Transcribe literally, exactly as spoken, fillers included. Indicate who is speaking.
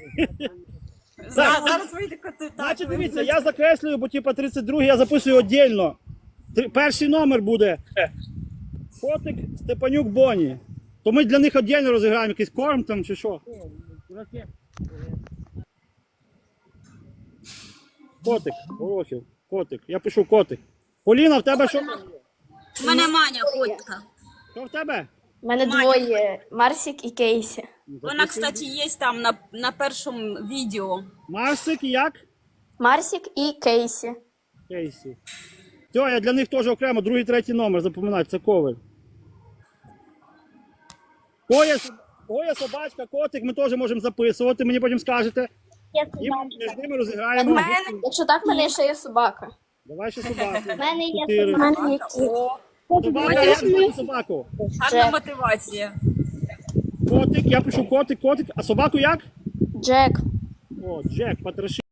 Speaker 1: За- Зараз вийде коти. Так,
Speaker 2: Значить,
Speaker 1: ви-
Speaker 2: дивіться, я закреслюю, бо типа тридцять другий я записую віддільно. Три- Перший номер буде Котик Степанюк Боні. То ми для них віддільно розіграємо якийсь корм там чи що. Котик, Горохів, котик. Я пишу котик. Поліна, в тебе що?
Speaker 1: У мене Маня котка.
Speaker 2: Що в тебе?
Speaker 3: У мене двоє Марсік і Кейсі.
Speaker 1: Вона, кстати, є там на, на першому відео.
Speaker 2: Марсик і як?
Speaker 3: Марсік і Кейсі.
Speaker 2: Кейсі. Все, я для них теж окремо, другий, третій номер, запам'ятайте, це ковер. Коя, Коя, собачка, котик, ми теж можемо записувати, мені потім скажете. І ми між ними
Speaker 3: У
Speaker 2: розіграємо.
Speaker 3: мене, якщо так, в мене ще є собака.
Speaker 2: Давай ще собаку.
Speaker 4: У мене є
Speaker 2: Чотири.
Speaker 4: собака.
Speaker 1: О,
Speaker 2: Собака, як звати собаку?
Speaker 1: гарна
Speaker 3: Джек.
Speaker 1: мотивація.
Speaker 2: Котик, я пишу котик, котик, а собаку як?
Speaker 3: Джек.
Speaker 2: О, Джек, потроши.